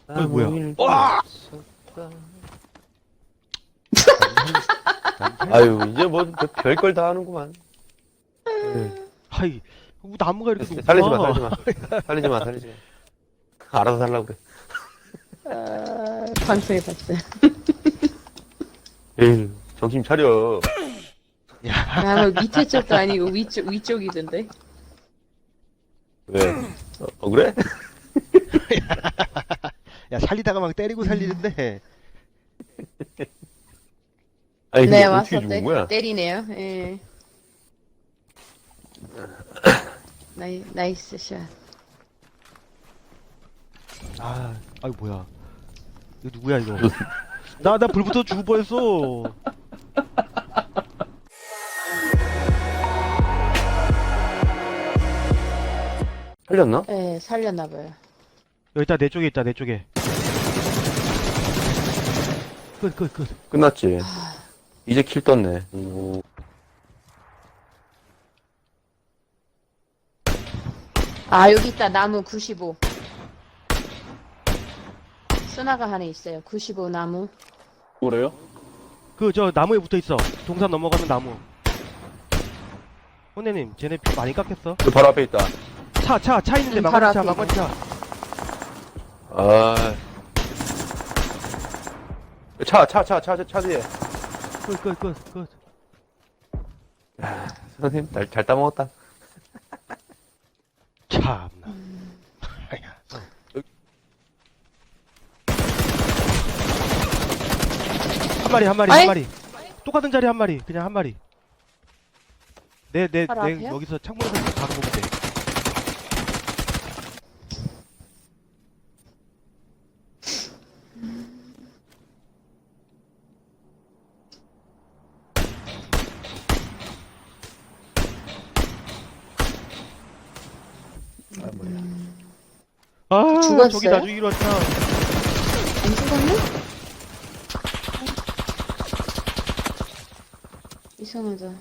뭐야? 일도 와! 없었다. 아유, 이제 뭐 별걸 다 하는구만. 하이, 나무가 이렇게 높아. 살리지 마, 살리지 마. 살리지 마, 살리지 마. 알아서 살라고 그래. 방송해봤어요. 에휴, 정신 차려. 아, 뭐 밑에 쪽도 아니고 위쪽이던데. 왜? 그래? 야, 살리다가 막 때리고 살리는데. 아니, 근데 네, 어떻게 와서 죽은 거야? 때리네요. 예. 나이스 샷. 아이, 뭐야. 이거 누구야, 이거. 나 불 붙어 죽을 뻔했어. 살렸나? 예, 살렸나봐요. 여기 있다, 내 쪽에 있다, 내 쪽에. 끝. 끝났지. 이제 킬 떴네. 오. 아, 여기 있다. 나무 95. 스나가 하나 있어요. 95 나무. 뭐래요? 저 나무에 붙어 있어. 동산 넘어가는 나무. 혼내님, 쟤네 피 많이 깎였어. 저 바로 앞에 있다. 차 있는데 바로 막걸리 차, 앞에 막걸리 차. 아. 차 뒤에. 끝. 선생님, 잘 따먹었다. 참나. 한 아이. 마리. 똑같은 자리 한 마리. 그냥 한 마리. 내 바로 앞에요? 여기서 창문에서 바로 보면 돼. 죽었어요? 저기 나 죽이러 왔다. 안 죽었네? 이상하다.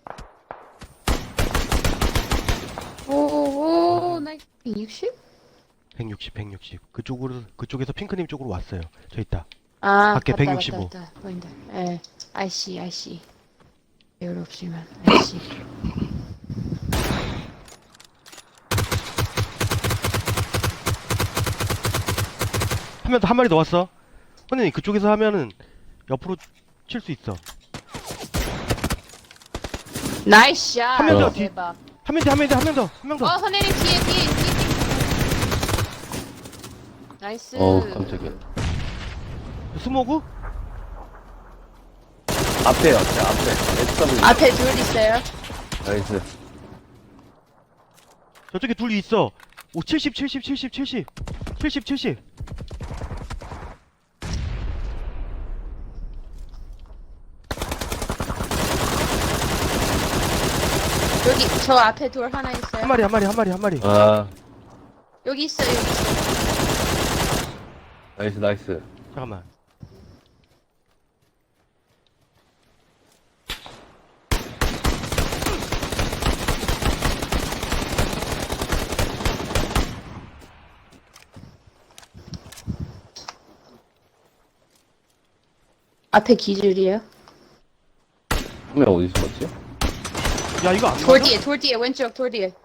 오, 나 160? 160. 그쪽에서 핑크님 쪽으로 왔어요. 저 있다. 아, 밖에 봤다, 165. 봤다. 보인다. 예, I see. 배울 없지만, I see. 한 마리 더 왔어. 선생님, 그쪽에서 하면은 옆으로 칠 수 있어. 나이스 샷! 한명 더, 대박. 한 명 더. 선생님, 뒤에. 나이스. 깜짝이야. 스모그? 앞에. SW. 앞에 둘 있어요. 나이스. 저쪽에 둘이 있어. 오, 70. 여기, 저 앞에 돌 하나 있어요. 한 마리. 아, 여기 있어요. 나이스. 잠깐만. 앞에 기줄이에요. 한 명 어디 있었지? 야, 이거 안 돌 맞아? 뒤에, 왼쪽 돌 뒤에.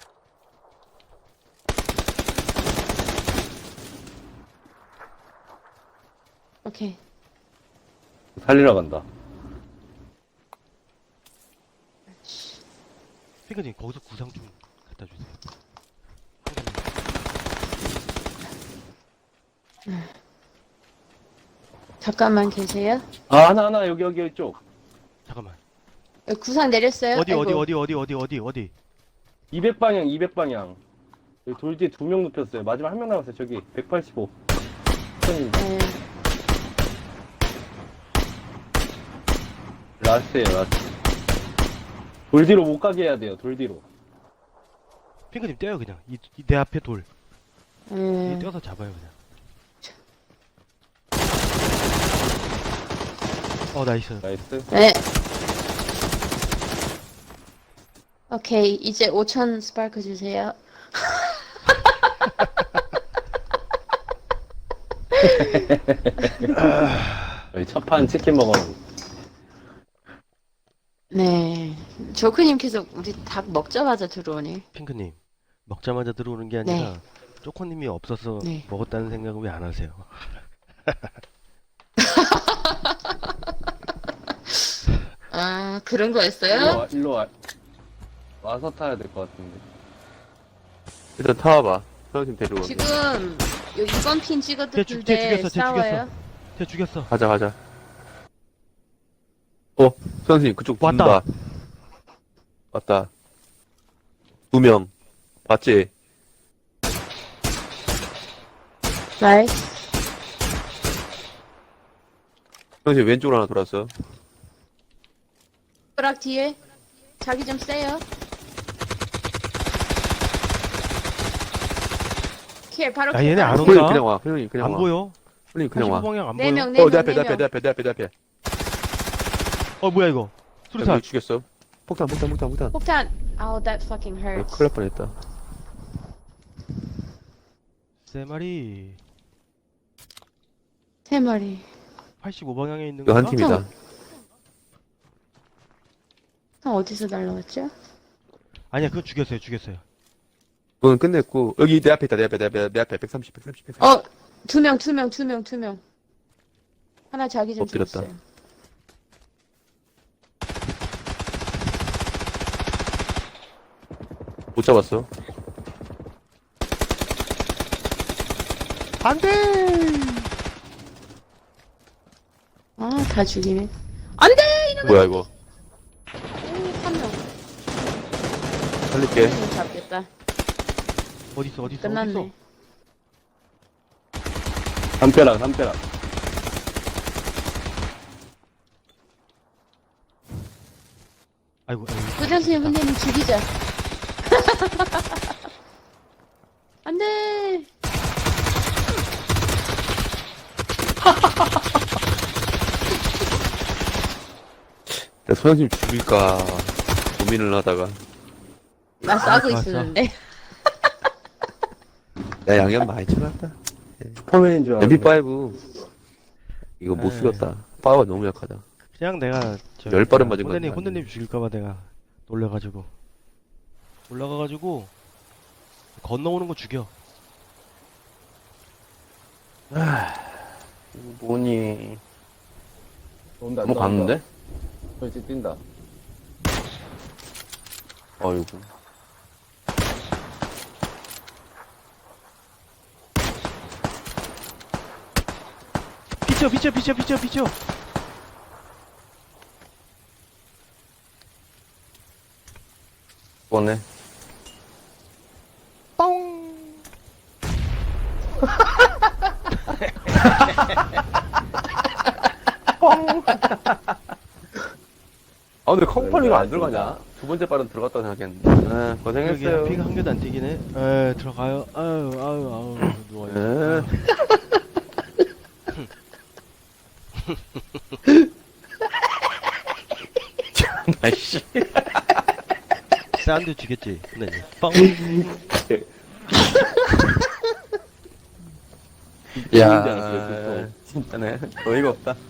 오케이. 살리러 간다. 핑크님, 거기서 구상 좀 갖다 주세요. 잠깐만 계세요. 아, 하나, 여기 이쪽. 잠깐만. 구상 내렸어요. 어디? 아이고. 200방향, 200방향. 여기 돌 뒤에 2명 눕혔어요. 마지막 한 명 남았어요. 저기, 185. 선생님, 네. 라스트에요, 라스트. 돌 뒤로 못 가게 해야 돼요. 돌 뒤로. 핑크님 떼요, 그냥. 내 앞에 돌. 네. 떼어서 잡아요, 그냥. 나이스. 나이스. 네. 오케이. 이제 5,000 스파크 주세요. 여기 첫판 치킨 먹어. 네. 조크님 계속 우리 닭 먹자마자 들어오네. 핑크님, 먹자마자 들어오는 게 아니라 쪼코님이 없어서 네. 먹었다는 생각을 왜 안 하세요? 아, 그런 일로 거였어요? 와, 일로 와. 와서 타야 될 것 같은데. 일단 타와봐. 선생님 데리고 갈게. 지금 요 이번 핀 찍어도 쟤 둘대 죽였어, 쟤 싸워요? 쟤 죽였어. 가자, 가자. 선생님, 그쪽 왔다. 왔다. 왔다. 2명. 맞지? 나이스. 선생님, 왼쪽으로 하나 돌았어. 브락 뒤에 자기 좀 세요. 킬 바로 야, 킬 얘네 바로 안 킬. 온다. 그냥 와. 형님, 그냥 안 와. 보여? 형님, 그냥 와. 85방향 안 네 보여? 명, 네 내 명, 앞에, 네 내 앞에, 내 명. 앞에, 내 앞에, 내 앞에. 뭐야 이거? 수류탄. 여기 죽였어. 폭탄. 폭탄. Oh, that fucking hurts. 큰일 날 뻔했다. 세 마리. 세 마리. 85방향에 있는 이거 한 건가? 팀이다. 형 어디서 날라왔죠? 아니야, 그건 죽였어요. 그건 끝냈고, 여기 내 앞에 있다, 내 앞에. 130. 어, 두 명. 하나 자기 좀 엎드렸다. 줬어요. 못 잡았어. 안 돼! 아, 다 죽이네. 안 돼! 뭐야, 이거. 한 명. 살릴게. 좀 잡겠다. 어딨어? 끝났네. 담벼락. 아이고. 부장님, 훈련님 죽이자. 안 돼! 내가 소장님 죽일까 고민을 하다가. 나 싸고 좋았어. 있었는데. 야, 양념 많이 쳐놨다. 슈퍼맨인 줄 알았네. MP5. 이거 못 에이. 쓰겠다. 파워가 너무 약하다. 그냥 내가 열 발은 맞은 건 혼내님 아니야. 혼내님 죽일까봐 내가 놀래가지고 올라가가지고 건너오는 거 죽여. 뭐니. 온다, 한번 갔는데? 그렇지, 뛴다. 어이구. 비쳐. 죽었네. 근데 컴퍼니가 안 들어가냐? 두 번째 발은 들어갔다고 생각했는데. 고생했어요. 여기 피가 한 개도 안 튀기네. 들어가요. 아유 누워요. 에. 아이씨. 사운드 주겠지. 혼내님. 뻥. 야, 진짜네. 어이가 없다.